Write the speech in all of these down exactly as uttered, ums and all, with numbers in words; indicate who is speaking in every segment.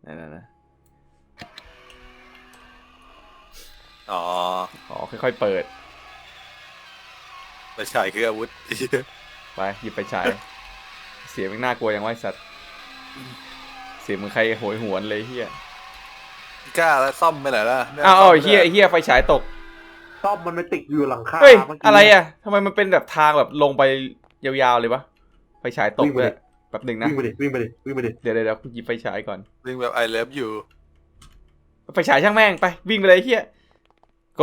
Speaker 1: นั่นนะ
Speaker 2: อ๋อ
Speaker 1: อ๋อค่อยๆเปิด
Speaker 2: ไปฉายคืออาวุธ
Speaker 1: ไปหยิบไปฉายเสียงมันน่ากลัวอย่างไวสัตว์เสียงมึงใครโหยหวนเลยเฮีย
Speaker 2: กล้าแล้วซ่อมไปไหนล่ะ
Speaker 1: อ้าวเฮียเฮียไฟฉายตก
Speaker 3: ซ่อมมันไปติดอยู่หลังคา
Speaker 1: เฮ้ยอะไรอ่ะทำไมมันเป็นแบบทางแบบลงไปยาวๆเลยปะไฟฉายตกเลยแบบหนึ่งนะ
Speaker 3: วิ่งไปดิวิ่งไปดิวิ่งไปดิ
Speaker 1: เดี๋ยวเดี๋ยวหยิบไฟฉายก่อน
Speaker 2: วิ่งแบบ I love you
Speaker 1: ไฟฉายช่างแม่งไปวิ่งไปเลยเฮียโก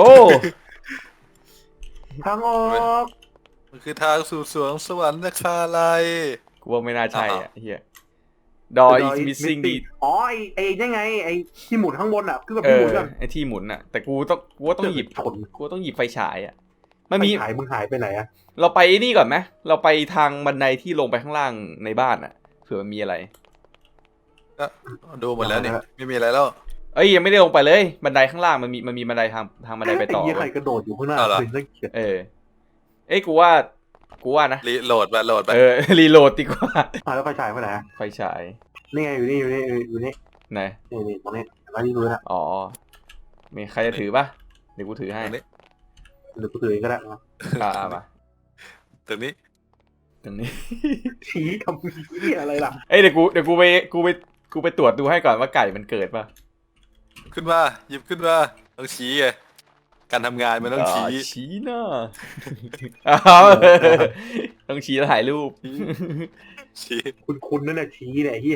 Speaker 3: ทางออก
Speaker 2: มันคือทางสู่สวงสวรรค์นะคาไล
Speaker 1: กูว่าไม่น่าใช่อ่ะเฮียดอย is missing ดี
Speaker 3: อ๋อไอไอยังไงไอที่หมุนข้างบนอ่ะคือแบบ
Speaker 1: เอ
Speaker 3: ที่ห
Speaker 1: อ
Speaker 3: มุนกัน
Speaker 1: ไอที่หมุนอ่ะแต่กูต้องกูว่าต้องหยิบกูต้องหยิบไฟฉายอ่ะมันมี
Speaker 3: หายมึงหายไปไหนอ่ะ
Speaker 1: เราไปนี่ก่อนไหมเราไปทางบันไดที่ลงไปข้างล่างในบ้านอ่ะเผื่อมันมีอะไร
Speaker 2: ก็ดูหมดแล้วนี่ไม่มีอะไรแล้ว
Speaker 1: เอ้ยยังไม่ได้ลงไปเลยบันไดข้างล่างมันมีมันมีบันไดทางทางบันไดไปต่อ
Speaker 3: ไอ้ใครกระโดดอยู่ข้างหน้าเป็นเรื่องเขียน
Speaker 1: เออเอ้ยกูว่ากูว่านะ
Speaker 2: รีโหลดไปโหลดไป
Speaker 1: เออรีโหลดดีกว่า
Speaker 3: อ่าแล้วไฟฉายไปไหน
Speaker 1: ไฟฉาย
Speaker 3: นี่ไงอยู่นี่อยู่นี่อยู่นี่
Speaker 1: ไหน
Speaker 3: นี่นี่ตรงนี้มาที่รู้นะ
Speaker 1: อ๋อมีใครจะถือปะเดี๋ยวกูถือให้
Speaker 3: เดี๋ยวกูถือเองก็ได้นะ
Speaker 1: อ่ามา
Speaker 2: ตรงนี้
Speaker 1: ตรงนี้
Speaker 3: ชี้ทำเหี้ยอะไรล่ะ
Speaker 1: เอ้ยเดี๋ยวกูเดี๋ยวกูไปกูไปกูไปตรวจดูให้ก่อนว่าไก่มันเกิดปะ
Speaker 2: ขึ้นมาหยิบขึ้นมาต้องชี้ไงการทำงานมันต้องชี้
Speaker 1: ชี้หน้าอ้าวต้องชี้แล้วถ่ายรูป
Speaker 2: ชี้
Speaker 3: คุณคุณนั่นแหละชี้เนี่ยเฮีย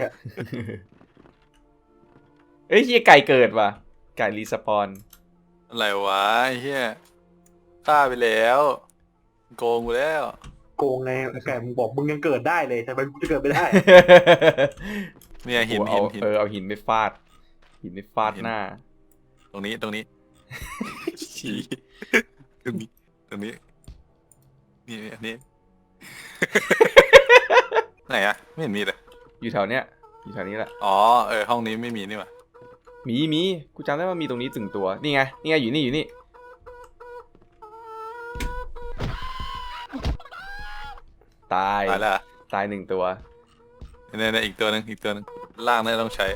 Speaker 1: เอ้ยเฮียไก่เกิดว่ะไก่รีสปอน
Speaker 2: อะไรวะเฮียฆ่าไปแล้วโกงกูแล้ว
Speaker 3: โกงไงแกมึงบอกมึงยังเกิดได้เลยทำไมมึงจะเกิดไม่ได้
Speaker 2: เนี่ยหินหินหิน
Speaker 1: เออเอาหินไปฟาดหินไปฟาดหน้า
Speaker 2: ตรงนี้ตรงนี้ชี้ตรงนี้ตรงนี้นี่อันนี้ไหนอะไม่เห็นมีเลย
Speaker 1: อยู่แถวเนี้ยอยู่แถวนี้แหละ
Speaker 2: อ๋อเออห้องนี้ไม่มีนี่หว่า
Speaker 1: มีมีกูจำได้ว่ามีตรงนี้ถึงตัวนี่ไงนี่ไงอยู่นี่อยู่นี่ตาย
Speaker 2: ตายแล้ว
Speaker 1: ตายหนึ่งตัว
Speaker 2: เนี่ยเนี่ยอีกตัวหนึ่งอีกตัวหนึ่งล่างนี่ต้องใช้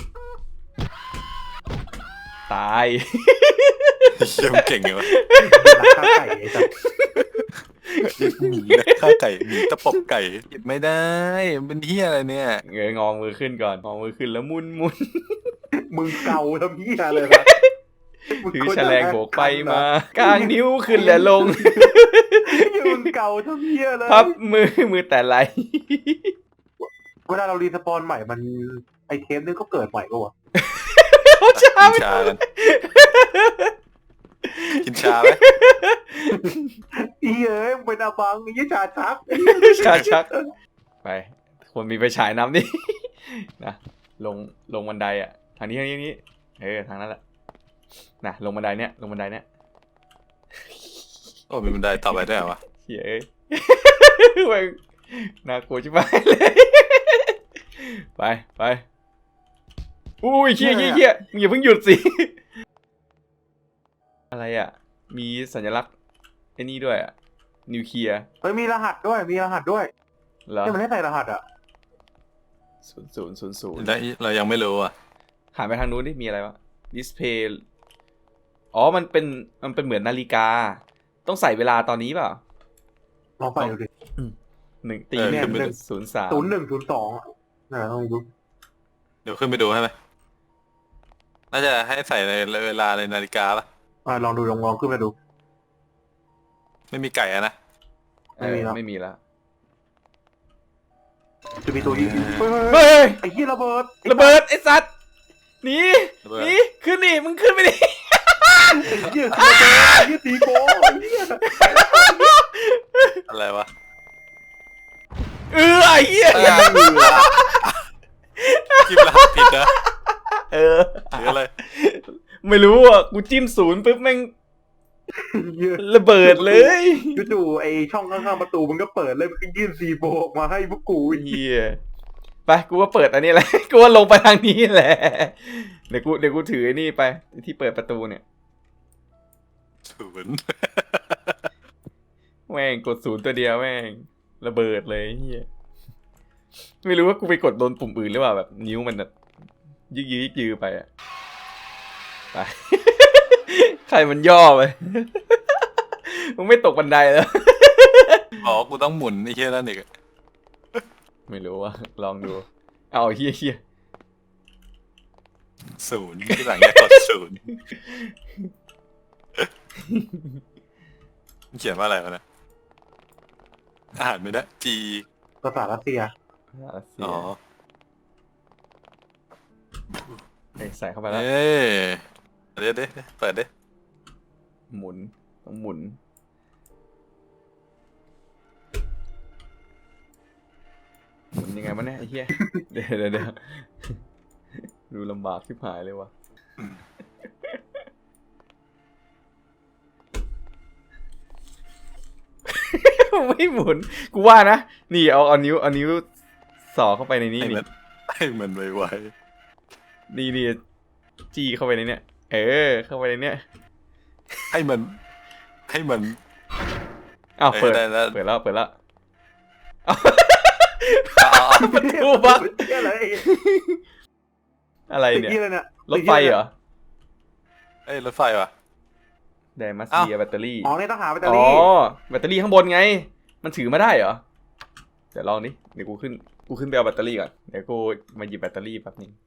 Speaker 1: ตาย
Speaker 2: เชี่ยมเก่งเลยวะ
Speaker 3: ข้าไก่ไอ้สัส
Speaker 2: หมีนะข้าไก่หมีตะปบไก่หยิบไม่ได้เป็นเหี้ยอะไรเนี่ย
Speaker 1: เงยงอมือขึ้นก่อนงอมือขึ้นแล้วมุนมุน
Speaker 3: มึงเกาทำเหี้ยเลยนะ
Speaker 1: ถือแฉลงโบกไปมากางนิ้วขึ้นและลง
Speaker 3: มึงเกาทำเหี้ยเลย
Speaker 1: พับมือมือแต่ไร
Speaker 3: เวลาเรารีสปอนใหม่มันไอเทมนึงก็เกิดใหม่ก็วะ
Speaker 1: เขาชา
Speaker 2: กินชากันกินชาไหม
Speaker 3: อีเอ้ยมึงเป็นอาบังยี่ชาชัก
Speaker 1: ชาชักไปคนมีไปฉายน้ำดินะลงลงบันไดอ่ะทางนี้ทางนี้นี้เออทางนั้นแหละนะลงบันไดเนี้ยลงบันไดเนี้ย
Speaker 2: โอ้มีบันไดต่อไปด้วยเหรอวะ
Speaker 1: เฮ้ยไปน่ากลัวชิบหายเลยไปไปอุ้ยเชี่ยเชี่ยเชี่ยมึงอย่าเพิ่งหยุดสิอะไรอ่ะมีสัญลักษณ์ไอ้นี่ด้วยอ่ะนิวเคลียร์
Speaker 3: เฮ้ยมีรหัสด้วยมีรหัสด้วย
Speaker 1: เหรอ
Speaker 3: ที่มันให้ใส่รหัสอ่ะ
Speaker 1: ศูนย์ศูนย์ศูนย์ศูนย์
Speaker 2: เรายังไม่รู้อ่ะ
Speaker 1: หันไปทางนู้นดิมีอะไรวะดิสเพย์อ๋อมันเป็นมันเป็นเหมือนนาฬิกาต้องใส่เวลาตอนนี้เปล่า
Speaker 3: ลองไปดูดิ
Speaker 1: หนึ่งตีเนี่ยหนึ่งศูนย์สาม
Speaker 3: ศูนย์หนึ่งศูนย์สองน่าต้องดู
Speaker 2: เดี๋ยวขึ้นไปดูให้ไหมน่าจะให้ใส่ในเวลาในนาฬิกาป่ะ
Speaker 3: อ่าลองดูลองลองขึ้นไปดู
Speaker 2: ไม่มีไก่อะนะ
Speaker 1: ไม่มีแล้วไม่มีแล้ว
Speaker 3: จะมีตัวยิง
Speaker 1: เฮ้ย
Speaker 3: ไอ้ยี่ระเบิด
Speaker 1: ระเบิดไอ้สัตว์หนีหนีขึ้นดิมึงขึ้นไปดิ
Speaker 3: ยี่ระเบิดยี่ตีโก้
Speaker 2: อะไรวะ
Speaker 1: เออไอ้เหี้ย
Speaker 2: จิ้มรหัสผิดนะ
Speaker 1: เออ
Speaker 2: หรืออะไร
Speaker 1: ไม่รู้อ่ะกูจิ้มศูนย์ปุ๊บแม่งระเบิดเลย
Speaker 3: จู่ๆไอช่องข้างๆประตูมันก็เปิดเลยมันก็ยื่นซีโบออกมาให้พวกกู
Speaker 1: เฮียไปกูว่าเปิดอันนี้แหละกูว่าลงไปทางนี้แหละเดี๋ยวกูเดี๋ยวกูถือไอ้นี่ไปที่เปิดประตูเนี่ย
Speaker 2: ศูนย์
Speaker 1: แม่งกดศูนย์ตัวเดียวแม่งระเบิดเลยเฮียไม่รู้ว่ากูไปกดโดนปุ่มอื่นหรือเปล่าแบบนิ้วมันแบบยึกยือยึกยือไปอะไป ใครมันย่อไป มึงไม่ตกบันไดแล้ว
Speaker 2: อ๋อกูต้องหมุนไอ้เหี้ยนั่นอีก
Speaker 1: ไม่รู้ว่าลองดูเอาเฮียเฮีย
Speaker 2: ศูนย์ที่หลังจะกดศูนย์เขียนว่าอะไรวะนะอ่านไม่ได้จี
Speaker 3: ภาษารัสเซีย
Speaker 1: รัสเซีย
Speaker 2: อ๋อ
Speaker 1: เอ้ยใส่เข้าไปแล้ว
Speaker 2: เอ้ยเดี๋ยวเดี๋ยวเปิดดิ
Speaker 1: หมุนต้องหมุนหมุนยังไงวะเนี่ยไอ้เหี้ย เดี๋ยวเดี๋ยวเดี๋ยวดูลำบากชิบหายเลยวะ ไม่หมุนกูว่านะนี่เอาเอานิ้วเอานิ้วสอดเข้าไปในนี้
Speaker 2: ให้
Speaker 1: นี่
Speaker 2: มันให้มันไว
Speaker 1: นี่นี่จี้เข้าไปในเนี้ยเออเข้าไปในเนี้ย
Speaker 2: ๆให้มันให้มัน
Speaker 1: อ้าว
Speaker 2: เออ
Speaker 1: เปิด
Speaker 2: ได้แล้ว
Speaker 1: เปิดแล้วเปิดแล้ว
Speaker 2: เอาเอาเอา
Speaker 1: ประตูบัก
Speaker 3: เหี้ยอะไร
Speaker 1: อะไรเนี่ย
Speaker 3: เหี้ยอะไรเนี่ย
Speaker 1: รถไฟเหรอ
Speaker 2: เอ้ยรถไฟวะ
Speaker 1: ไดมัส
Speaker 2: เอ้า
Speaker 1: เบียแบตเตอรี่
Speaker 3: อ๋อเนี่ยต้องหาแบตเตอ
Speaker 1: อ๋อ
Speaker 3: รี่
Speaker 1: แบตเตอรี่ข้างบนไง มันถือมาได้เหรอเดี๋ยวลองดิเดี๋ยวกูขึ้นกูขึ้นไปเอาแบตเตอรี่ก่อนเดี๋ยวกูมาหยิบแบตเตอรี่แป๊บนึง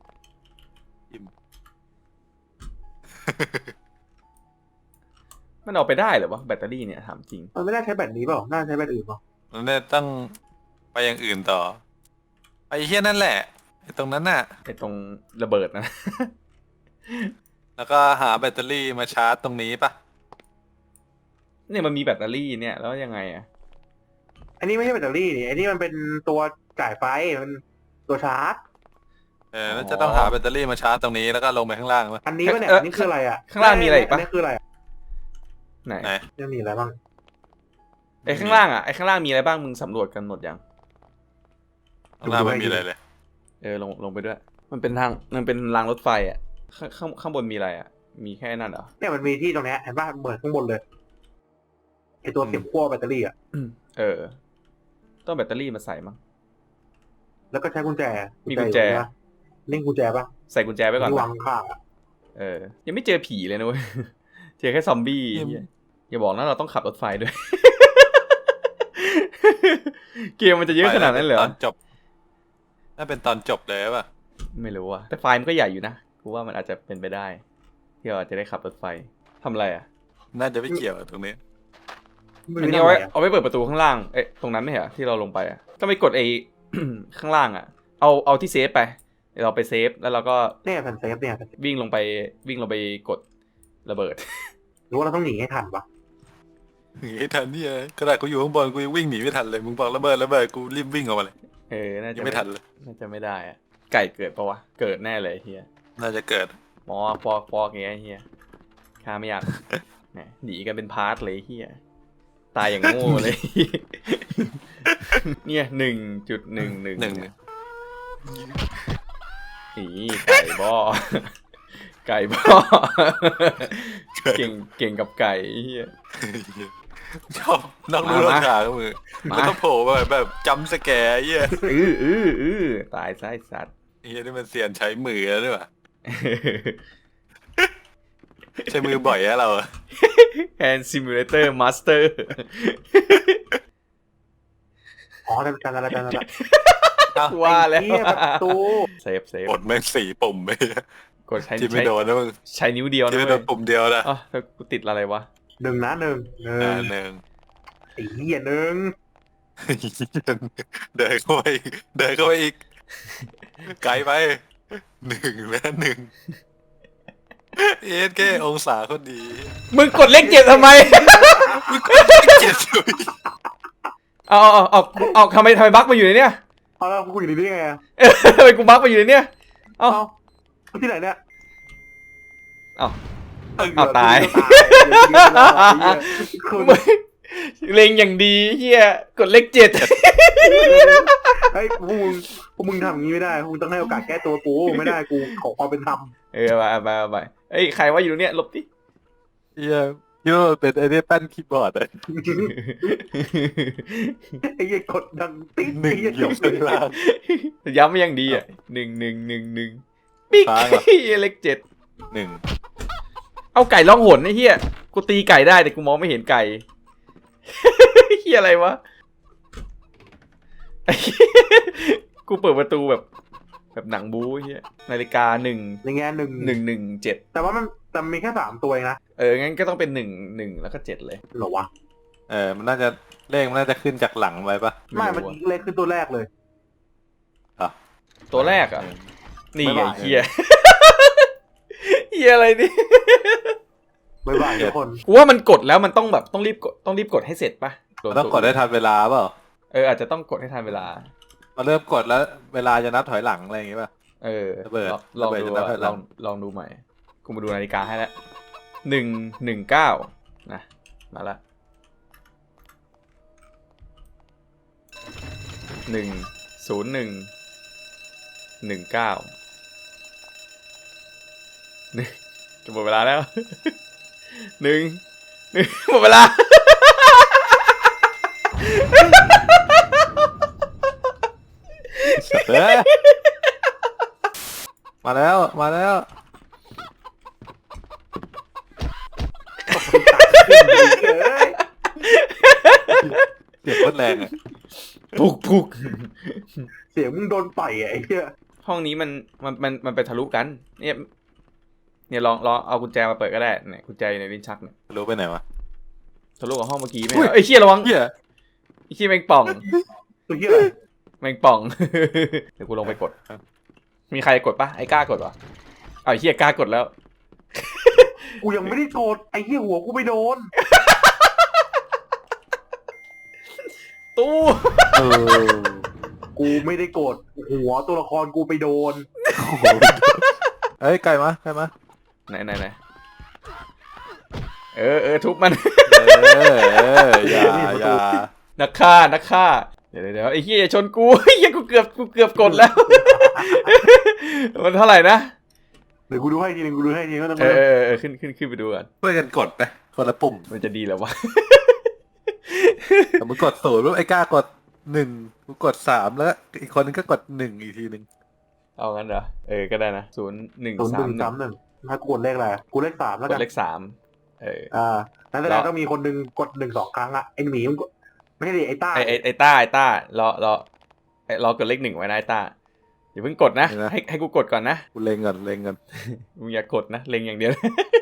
Speaker 1: มันเอาไปได้เหรอวะแบตเตอรี่เนี่ยถามจริง
Speaker 3: มันไม่ได้ใช้แบตนี้เปล่าน่าใช้แบตอื่นเปล่า
Speaker 2: มันเนี่ยต้องไปอย่างอื่นต่อไปเฮี้ยนั่นแหละไอ้ตรงนั้นน่ะ
Speaker 1: ไอตรงระเบิดนะ
Speaker 2: แล้วก็หาแบตเตอรี่มาชาร์จตรงนี้ปะ
Speaker 1: เนี่ยมันมีแบตเตอรี่เนี่ยแล้วยังไงอะ
Speaker 3: อันนี้ไม่ใช่แบตเตอรี่นี่อันนี้มันเป็นตัวจ่ายไฟมันตัวชาร์จ
Speaker 2: เออแล้วจะต้องหาแบตเตอรี่มาชาร์จตรงนี้แล้วก็ลงไปข้างล่างปะ
Speaker 3: อันนี้ป่ะเนี่ยอันนี้คืออะไรอ่ะ
Speaker 1: ข้างล่างมีอะไรอีก
Speaker 3: อั
Speaker 1: ปะ
Speaker 3: นนี้คืออะไรอะ
Speaker 1: ไหน
Speaker 2: ไหน
Speaker 3: เนี่ยมีอะไรบ้าง
Speaker 1: ไอข้างล่างอะไอข้างล่างมีอะไรบ้างมึงสำรวจกันหมดยัง
Speaker 2: ข้างล่างไม่มีอะไรเลย
Speaker 1: เออลงลงไปด้วย มันเป็นทางมันเป็นรางรถไฟอะข้างข้างข้างบนมีอะไรอะมีแค่นั้นเหรอ
Speaker 3: เนี่ยมันมีที่ตรงเนี้ยเห็นป่ะเหมือนข้างบนเลยไอตัวเสียบขั้วแบตเตอรี่อ่ะ
Speaker 1: เออ ต้องแบตเตอรี่มาใส่มั้ง
Speaker 3: แล้วก็ใช้กุญแจ
Speaker 1: มีกุญแจ
Speaker 3: อยู่นะนี่กุญแจป่ะ
Speaker 1: ใส่กุญแจไว้ก่อน
Speaker 3: ที่
Speaker 1: ปะ
Speaker 3: วางข้างๆอ่ะ
Speaker 1: เออ ยังไม่เจอผีเลยนะเว้ย เจอแค่ซอมบี้
Speaker 2: ยัง
Speaker 1: เหี้ยอย่าบอกนะเราต้องขับรถไฟด้วย เกมมันจะเยอะขนาดนั้นเลยเหร
Speaker 2: ต
Speaker 1: อ
Speaker 2: อนจบน่าเป็นตอนจบเลยป่ะ
Speaker 1: ไม่รู้อะแต่ไฟล์มันก็ใหญ่อยู่นะกูว่ามันอาจจะเป็นไปได้ ที่เราอาจจะได้ขับรถไฟทำอะไรอะ
Speaker 2: น่าจะไม่เกี่ยวกับตรงนี้
Speaker 3: ไม่
Speaker 1: อัน
Speaker 3: รู้
Speaker 1: นี้เอาไว้
Speaker 3: ทำไมอะ
Speaker 1: เอาไว้เปิดประตูข้างล่าง เอ๊ะตรงนั้นไม่เหรอที่เราลงไปอะก็ไปกดไอ้ ข้างล่างอะเอาเอาที่เซฟไปเดี๋ยวเราไปเซฟแล้วเราก็
Speaker 3: เนี่ยแผ่นเซฟเนี่ย
Speaker 1: วิ่งลงไปวิ่งลงไปกดระเบิด
Speaker 3: หรือว่าเราต้องหนีให้ทันปะ
Speaker 2: หนีไม่ทันเนี่ยขนาดกูอยู่ข้างบนกูยังวิ่งหนีไม่ทันเลยมึงบอกระเบิดระเบิดกูรีบวิ่งออกมาเลย
Speaker 1: เออน่า
Speaker 2: ยั
Speaker 1: จะ
Speaker 2: งไม่ทันเลย
Speaker 1: น่าจะไม่ได้อะไก่เกิดปะวะเกิดแน่เลยเฮีย
Speaker 2: น่าจะเกิด
Speaker 1: หมอฟอกฟอกอย่างเงี้ยเฮียข้าไม่อยาก แหมหนีกันเป็นพาร์ทเลยเฮียตายอย่างโง่เลย เนี่ยหนึ่งจุดหนึ่งหนึ่ง
Speaker 2: หนึ่ง
Speaker 1: อีไก่บ่อ ไก่บ่อ เก่งเก่งกับไก่เฮีย
Speaker 2: ชอบนอกรู้นอกทางมือ
Speaker 1: มา
Speaker 2: แล้วก็โผล่มาแบบจำสแกร์ไอ้เหี้ย
Speaker 1: อืออืออือตายซะไอ้สัตว์
Speaker 2: ไอ้เหี้ยนี่มันเสียนใช้มือแล้วด้วยวะใช้มือบ่อยอะเราอะ
Speaker 1: Hand Simulator Master
Speaker 3: อ๋อจำจำอะไรจำอะไร
Speaker 2: เอ้า
Speaker 1: ว่าแล้ว
Speaker 3: ไอ้เหี้ยประตู
Speaker 1: เซฟเซฟ
Speaker 2: กดแม่งสี่ปุ่มไป
Speaker 1: กดใช้
Speaker 2: ที่ไม่
Speaker 1: ใช้
Speaker 2: โดนนะมึง
Speaker 1: ใช้นิ้วเดียวนะ
Speaker 2: ที่ไม่โด
Speaker 1: เว้
Speaker 2: น
Speaker 1: ย
Speaker 2: ปุ่มเดียวนะ
Speaker 1: อ๋อแล้วกูติดอะไรวะ
Speaker 3: หนึ่งนะหนึ่งหนึ่
Speaker 2: อ่าง หนึ่ง
Speaker 3: ไอ้เหี้ยหนึ่ง
Speaker 2: เดินเข้าไปอีกเดินเข้าไปอีกไกลไปหนึ่งแล้วหนึ่งเอสแค่องศาคนดี
Speaker 1: มึงกดเลขเจ็ดทำไม
Speaker 2: มึงก็เจ็ดสุด
Speaker 1: เอาเอาเอาเอาเอาทำไมทำไมบั๊กมาอยู่ในเนี้ย
Speaker 3: เอาแล้วกูอยู่นี่ได้ไงอะ
Speaker 1: เออทำไมกูบั๊กมาอยู่ในเนี้ยเอา
Speaker 3: เอาที่ไหนเนี่ย
Speaker 1: เอา
Speaker 3: เอา
Speaker 1: เอาตาย
Speaker 3: คุณ
Speaker 1: มึงเล็งอย่างดีเฮียกดเลขเจ็ด
Speaker 3: ไอ้ยพวกมึงพวกมึงทำอย่างนี้ไม่ได้พวกมึงต้องให้โอกาสแก้ตัวกูไม่ได้กูขอความเป็นธรรม
Speaker 1: เออไปไปไปเอ้ยใครว่าอยู่ตรงเนี้ยหลบดิ
Speaker 2: เฮียคิดว่ามันเป็นไอ้เนี่ยแป้นคีย์บอร์ดอะ
Speaker 3: ไอ้เหี้ยกดดังติ๊ด
Speaker 2: หนึ่ง
Speaker 3: ไอ้เหี้ย
Speaker 2: อยู่ข้างล่าง
Speaker 1: ย้ำมาอย่างดีอ่ะหนึ่งหนึ่งหนึ่งหนึ่งปิ๊ก
Speaker 2: ค้างเหรอ
Speaker 1: เลขเจ็ด
Speaker 2: หนึ่ง
Speaker 1: เอาไก่ล่องหนไอ้เหี้ยกูตีไก่ได้แต่กูมองไม่เห็นไก่ เหี้ยอะไรวะไอ้เหี้ยกูเปิดประตูแบบ แบบหนังบู๊ไอ้เหี้ยนาฬิกาหนึ่ง
Speaker 3: ในแง่หนึ่ง
Speaker 1: หนึ่งหนึ่งเจ็ด
Speaker 3: แต่ว่ามันแต่มีแค่สามตัวเองนะ
Speaker 1: เอองั้นก็ต้องเป็นหนึ่งหนึ่งแล้วก็เจ็ดเลย
Speaker 3: เหรอวะ
Speaker 2: เออมันน่าจะเลขมันน่าจะขึ้นจากหลังไว้ปะ
Speaker 3: ไม่มันเลขขึ้นตัวแรกเลย
Speaker 1: ตัวแรกอ่ะ นี่
Speaker 3: บ๊าย
Speaker 1: ไง
Speaker 3: บาย
Speaker 1: เหี้ย เหี้ยอะไรนี่
Speaker 3: บ๊ายบายทุกคน
Speaker 1: กูว่ามันกดแล้วมันต้องแบบต้องรีบกดต้องรีบกดให้เสร็จปะ
Speaker 2: มันต้องกดได้ทันเวลาเปล่า
Speaker 1: เอออาจจะต้องกดให้ทันเวลา
Speaker 2: มาเริ่มกดแล้วเวลาจะนับถอยหลังอะไรอย่างงี้ป่ะ
Speaker 1: เออ
Speaker 2: ระเบิด
Speaker 1: ลอง
Speaker 2: ระเบิด
Speaker 1: ดู
Speaker 2: จะนับ
Speaker 1: อะ
Speaker 2: ถอยหลั
Speaker 1: ลอง งลองดูใหม่ กูมาดูนาฬิกาให้แล้วหนึ่งหนึ่งเก้านะมาละหนึ่งศูนย์หนึ่งหนึ่งเก้าหนึ่งจะหมดเวลาแล้วหนึ่งหนึ่งหมดเวลา
Speaker 2: เฮ้ยมาแล้วมาแล้ว
Speaker 3: เฮ้ย
Speaker 2: เสียงโคตรแรงอ่ะ
Speaker 1: ปุกปุก
Speaker 3: เสียงมึงโดนต่อยอะไอ้เหี้ย
Speaker 1: ห้องนี้มันมันมันมันไปทะลุกันเนี่ยเนี่ยลองลองเอากุญแจมาเปิดก็ได้เนี่ยกุญแจอยู่ในลิ้นชักเนี่ย
Speaker 2: รู้ไปไหนวะ
Speaker 1: ทะลุกับห้องเมื่อกี้ไหม
Speaker 2: อุ้ย
Speaker 1: ไอ้ยเชี่ยระวัง
Speaker 2: เฮีย
Speaker 1: ไอ้เชี่ยแมงป่อง
Speaker 3: ตัวเหี้ยอะไร
Speaker 1: แมงป่อง เดี๋ยวกูลงไปกด มีใครกดปะไอ้กล้ากดปะเอาไอ้เชี่ยกล้ากดแล้ว
Speaker 3: กูยังไม่ได้โกรธไอ้เหี้ยหัวกูไปโดน
Speaker 1: ตู้
Speaker 2: เออ
Speaker 3: กูไม่ได้โกรธหัวตัวละครกูไปโดน
Speaker 2: เอ้ยไก่มาไก่มา
Speaker 1: ไหนไหนไหนเออเออทุบมัน
Speaker 2: เออเอออย่าอย่า
Speaker 1: นักฆ่านักฆ่าเดี๋ยวเดี๋ยวไอ้เหี้ยอย่าชนกู ไอ้เหี้ยกูเกือบกูเกือบกดแล้ว มันเท่าไหร่นะ
Speaker 3: เดี๋ยวกูดูให้ทีนึงกูดูให้ทีนึงก็ต้อง
Speaker 1: เออเออเออขึ้นขึ้นขึ้นไปดูกัน
Speaker 2: ช่วยกันกดไปคนละปุ่ม
Speaker 1: มันจะดีแล้ววะ
Speaker 2: แต่มึงกดศูนย์ปุ๊บไอ้กล้ากดหนึ่งกูกดสามแล้วอีกคนนึงก็กดหนึ่งอีกทีหนึ่ง
Speaker 1: เอางั้นเหรอเออก็ได้นะศูนย์หนึ่ง
Speaker 3: ศูนย์
Speaker 1: สา
Speaker 3: ห
Speaker 1: ม
Speaker 3: นึ่ง
Speaker 1: หนึ่
Speaker 3: สาง มหนึ่งถ้ากูกดเลขอะไรกูเลขสามแล้ว
Speaker 1: ก
Speaker 3: กั
Speaker 1: ด
Speaker 3: น
Speaker 1: เลขสามเออ
Speaker 3: อ่านั่นแสดงต้องมีคนหนึ่งกดหนึ่งสองครั้งอะไอ้หมีมันก็ไม่ใช่ดิไอ้ต้า
Speaker 1: ไอไอไอต้าไอต้ารอรอไอรอกดเลขหนึ่งไว้นะไอต้าอย่าเพิ่งกดนะให้ให้กูกดก่อนนะ
Speaker 2: กูเล็งก่อนเล็งก่อน
Speaker 1: มึงอย่ากดนะเล็งอย่างเดียว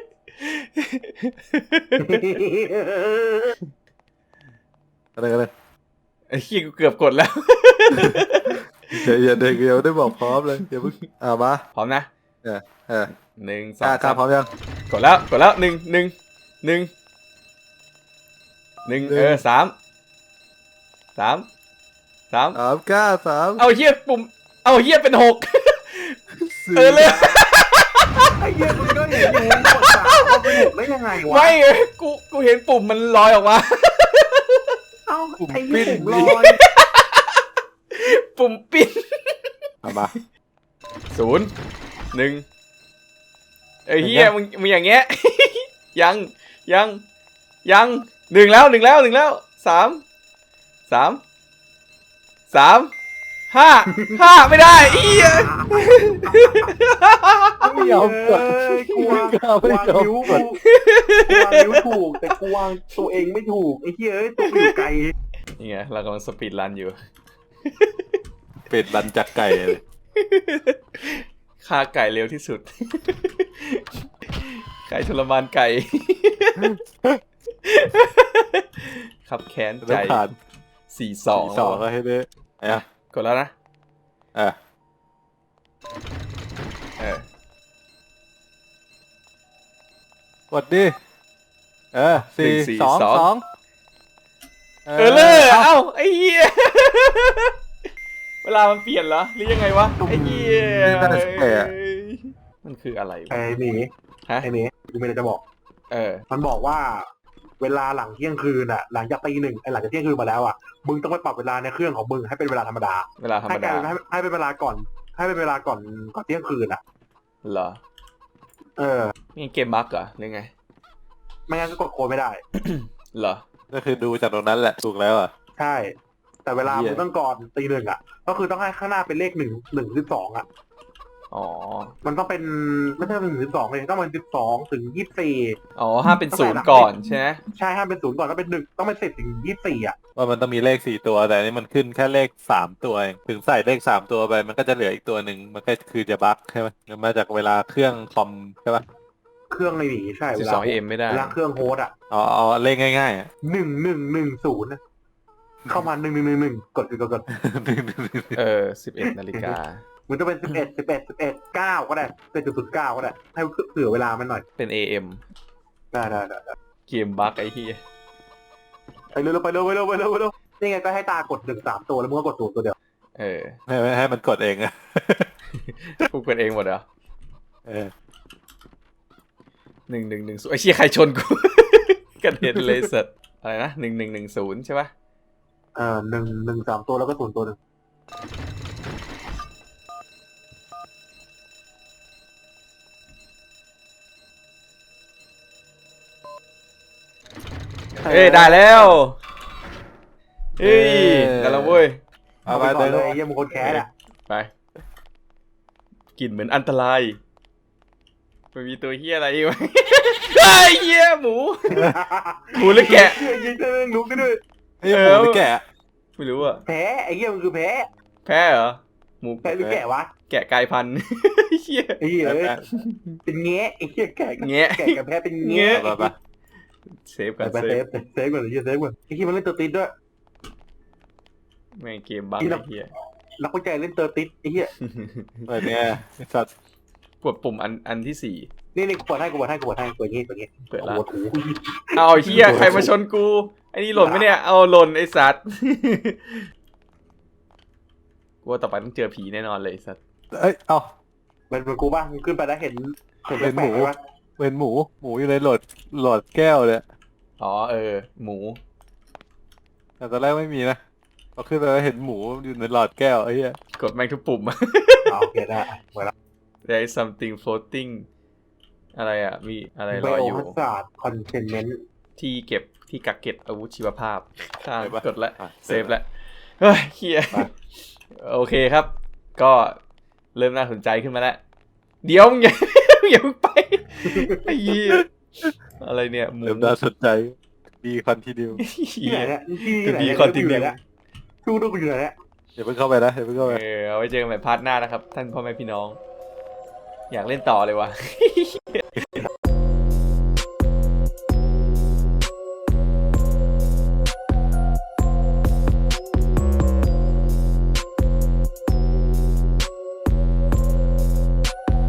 Speaker 2: อะไรกันเลย
Speaker 1: ไอ้ขี้ยกูเกือบกดแล้ว
Speaker 2: เดี๋ยวอย่าเด็กเดียวได้บอกพร้อมเลยเดี๋ยวเพิ่งอ่ามา
Speaker 1: พร้อมนะ
Speaker 2: เออเออ
Speaker 1: หนึ่งส
Speaker 2: ก
Speaker 1: อง
Speaker 2: ล้ากล้า
Speaker 1: สาม
Speaker 2: พร้อมยัง
Speaker 1: กดแล้วกดแล้วหนึ่งหนึ่งหนึ่งหนึ่งเออสามสามสาม
Speaker 2: สามกล้าสาม
Speaker 1: เอาเฮียปุ่มเอาเฮียเป็นหก
Speaker 2: สี่
Speaker 1: เออเลย
Speaker 3: ไอ้เหี้ยมึงก็เห็นอยู่กดสามเอาไปหกได้ยังไงวะ
Speaker 1: ไม่กูกูเห็นปุ่มมันลอยออกมา
Speaker 3: เอ้าไอ้เหี้ยผมลอย
Speaker 1: ปุ่มปิ้น
Speaker 2: เอามา
Speaker 1: ศูนย์หนึ่งไอ้เฮียมึงมึงอย่างเงี้ย ยังยังยังหนึ่งแล้วหนึ่งแล้วหนึ่งแล้วสามสามสามห้าห้าไม่ได้เอีย
Speaker 2: ไม่ยอมกด
Speaker 3: เอ้ยกูวาง
Speaker 2: ไม่ยอม
Speaker 3: กูวาง
Speaker 2: ไม่ยอม
Speaker 3: นิ้ว
Speaker 2: ก
Speaker 3: กู
Speaker 2: ด
Speaker 3: กูวางนิ้วถูก แต่กูวางตัวเองไม่ถูกไอ้เหี้ยเอ้ยตัวกูอยู่ไกล
Speaker 1: นี่ไงเรากำลังสปีดรันอยู่
Speaker 2: เป็ดรันจากไก่เลย
Speaker 1: ฆ่าไก่เร็วที่สุด ไก่ทรมานไก่ ขับแค้นใจ
Speaker 2: ต้องผ่าน
Speaker 1: สี่สอง
Speaker 2: สองก็ให้ได้ไอ้อะ
Speaker 1: กดแล้วนะ
Speaker 2: เออ
Speaker 1: เออก
Speaker 2: ดดิเออสี่สองสอง
Speaker 1: เออเลยเอ้าไอ้เหี้ย เวลามันเปลี่ยนเหรอหรือยังไงวะไอ้เหี้ยมันคืออะไรวะ
Speaker 3: ไอ้หมี
Speaker 1: ฮะ
Speaker 3: ไอ้หมีกูไม่ได้จะบอก
Speaker 1: เออ
Speaker 3: มันบอกว่า เวลาหลังเที่ยงคืนอ่ะ หลังจากตีหนึ่งไอ้หลังจากเที่ยงคืนมาแล้วอ่ะมึงต้องไปปรับเวลาในเครื่องของมึงให้เป็นเวลาธรรมดา
Speaker 1: เวลาธรร
Speaker 3: ให้
Speaker 1: ม
Speaker 3: กลา
Speaker 1: ดาย
Speaker 3: เป็นให้ให้เป็นเวลาก่อน ให้เป็นเวลาก่อนก่อนเที่ยงคืนอ่ะ
Speaker 1: เหรอ
Speaker 3: เออ
Speaker 1: นี่เกมบั๊กเหรอหรือไง
Speaker 3: ไม่งั้นก็กดโค้ดไม่ได้
Speaker 1: เหรอ
Speaker 2: ก็คือดูจากตรงนั้นแหละถูกแล้วอ่ะ
Speaker 3: ใช่ แต่เวลา
Speaker 2: เหี้ย
Speaker 3: มึงต้องก่อนตีหนึ่งอ่ะ ก็คือต้องให้ข้างหน้าเป็นเลขหนึ่งหนึ่งหรือสองอ่ะ
Speaker 1: อ๋อ
Speaker 3: มันต้องเป็นไม่ใช่เป็นสิบสองเลยต้องเป็นสิบสองถึงยี่สิบสี่
Speaker 1: อ๋อห้ามเป็นศูนย์ก่อนใช่ไหม
Speaker 3: ใช่ห้ามเป็นศูนย์ก่อนต้องเป็นหนึ่งต้องเป็นสิบถึงยี่สิบสี่อ่ะ
Speaker 2: ว่ามันต้องมีเลขสี่ตัวแต่อันนี้มันขึ้นแค่เลขสามตัวเองถึงใส่เลขสามตัวไปมันก็จะเหลืออีกตัวหนึ่งมันก็คือจะบั๊กใช่ไหมมันมาจากเวลาเครื่องคอมใช่ปะ
Speaker 3: เครื่องในหนีใช่เว
Speaker 1: สิบ
Speaker 3: ลา
Speaker 1: สองเอ็มไม่ได้
Speaker 3: เวลาเครื่องโฮสต์อ่ะ
Speaker 2: อ๋อเอาเลขง่ายๆอ่ะ
Speaker 3: หนึ่งหนึ่งหนึ่งศูนย์เข้ามาหนึ่งหนึ่งหนึ่งหนึ่งกดกดกดกด
Speaker 1: เออสิบเอ็ดนาฬิกา
Speaker 3: มันจะเป็นสิบเอ็ดสิบเอ็ดสิบเอ็ดเก้าก็ได้เป็นจุดศูนย์เก้าก็ได้ให้เผื่อเวลามันหน่อย
Speaker 1: เป็น เอ เอ็ม
Speaker 3: ได้ได้ได้ได้
Speaker 1: เกมบั๊กไอ้เหี้ย
Speaker 3: ไปเร็วไปเร็วไปเร็วไปเร็วไปเร็วนี่ไงก็ให้ตากดหนึ่งสามตัวแล้วมึงก็กดศูนย์ตัวเดียว
Speaker 1: เออ
Speaker 2: ให้ให้มันกดเองอะ
Speaker 1: กูเปิดเองหมดเหรอ
Speaker 2: เออ
Speaker 1: หนึ่งหนึ่งหนึ่งศูนย์ไอ้เชี่ยใครชนกู กระเด็นเลยสัตว์อะไรนะหนึ่งหนึ่งหนึ่งศูนย์ใช่ปะ
Speaker 3: เอ่อหนึ่งหนึ่งสามตัวแล้วก็ศูนย์ตัวหนึ่ง
Speaker 1: เอ้ยได้แล้วเฮ้ยได้แล้วเว้ย
Speaker 2: เอา
Speaker 3: เอา
Speaker 2: ไป
Speaker 3: ไปก่อน
Speaker 2: เล
Speaker 3: เลย ยเยี่ยมงคนแคสอ่ะ
Speaker 1: ไปกลิ่นเหมือนอันตรายมันมีตัวเฮียอะไรอยู่ ไอ้ยเฮียหมู หมูหรือแกะ
Speaker 3: เหี้ยยิงได้รู้กันด้วย
Speaker 2: เฮ้ยหมูหรือแกะ
Speaker 1: ไม่รู้อะ
Speaker 3: แพ้ไอ้เหี้ยมันคือแพ้
Speaker 1: แพ้เหรอหมู
Speaker 3: แพ้หรือแกะวะ
Speaker 1: แกะกลายพันธุ์ เฮีย
Speaker 3: ไอ้เหี้ยเอ้ยเป็นแงะไอ้เหี้ยแกะกับ
Speaker 1: แงะ
Speaker 3: แกะกับแพ้เป็น
Speaker 1: แงะ
Speaker 3: แงะ
Speaker 2: ไปไป
Speaker 1: เซฟกัน
Speaker 3: ไป
Speaker 1: เซ
Speaker 3: เซ
Speaker 1: ฟ
Speaker 3: ฟเซฟก่อนไอ้เหี้ยเซฟก่อนไอ้เหี้ยมันเล่นเตอร์ติดด้วย
Speaker 1: แม่งเกมบั๊ก
Speaker 3: อี
Speaker 1: ไอ้
Speaker 3: หลับ
Speaker 1: เฮีย
Speaker 3: นักวิจัยเล่นเตอร์ติดไอ้เหี้ย
Speaker 2: เปิดเนี่ยไอ้สัตว์
Speaker 1: กดปุ่มอันอันที่สี่
Speaker 3: นี่นี่กูเปิดให้กูเปิดให้กูเปิดให้เปิดงี้เปิดงี้
Speaker 1: เปิด
Speaker 3: โอ้
Speaker 1: ละ
Speaker 3: โหถู
Speaker 1: เอาเฮียใครมาชนกูไอ้นี่หล่นไหมเนี่ยเอาหล่นไอ้สัตว์ กูว่าต่อไปต้องเจอผีแน่นอนเลยไอ้สัตว์
Speaker 2: เอ้ยเอ้า
Speaker 3: เป็นเป็นกูบ้างขึ้นไปแล้วเห็นเห็น
Speaker 2: เป็นหมู
Speaker 3: แปลกๆไหมวะ
Speaker 2: เป็นหมูหมูอยู่ในโหลดโหลดแก้วเลย
Speaker 1: อ๋อเออหมู
Speaker 2: แต่ตอนแรกไม่มีนะพอขึ้นไปแล้วเห็นหมูอยู่ในหลอดแก้วไอ้เหี้ย
Speaker 1: กดแม่งทุกปุ่ม
Speaker 3: อ่าโอเคได้เวลา
Speaker 1: There is something floating อะไรอ่ะ มีอะไร
Speaker 3: ไบ
Speaker 1: ลอย
Speaker 3: โอ
Speaker 1: อยู่
Speaker 3: ฮัสซาร์ดคอนเทนเมนต์
Speaker 1: ที่เก็บที่กักเก็บอาวุธชีวภาพข้างกดแล้ว
Speaker 2: อ่ะ
Speaker 1: เซฟแล้ว เฮ้ยเฮียโอเคครับ ก็เริ่มน่าสนใจขึ้นมาแล้ว เดี๋ยวมึงอย่า อย่าเพิ่งไป ไอ้เหี้ยอะไรเนี่ยหมู
Speaker 2: เริ่มน่าสนใจดีคอนทีเดียว
Speaker 1: เหี้
Speaker 3: ที่ไหน
Speaker 1: ย
Speaker 3: เนี่ยที่ไหน
Speaker 1: ดี
Speaker 3: เนี่ย
Speaker 1: คอนติเนีย
Speaker 3: ทูดูกูอยู่ไหนเนี่ย
Speaker 2: อย่าเพิ่งเข้าไปนะอย่าเพิ่งเข้าไป
Speaker 1: เออเอาไว้เจอกันใหม่พาร์ทหน้านะครับ ท่านพ่อแม่พี่น้อง อยากเล่นต่อเลยวะ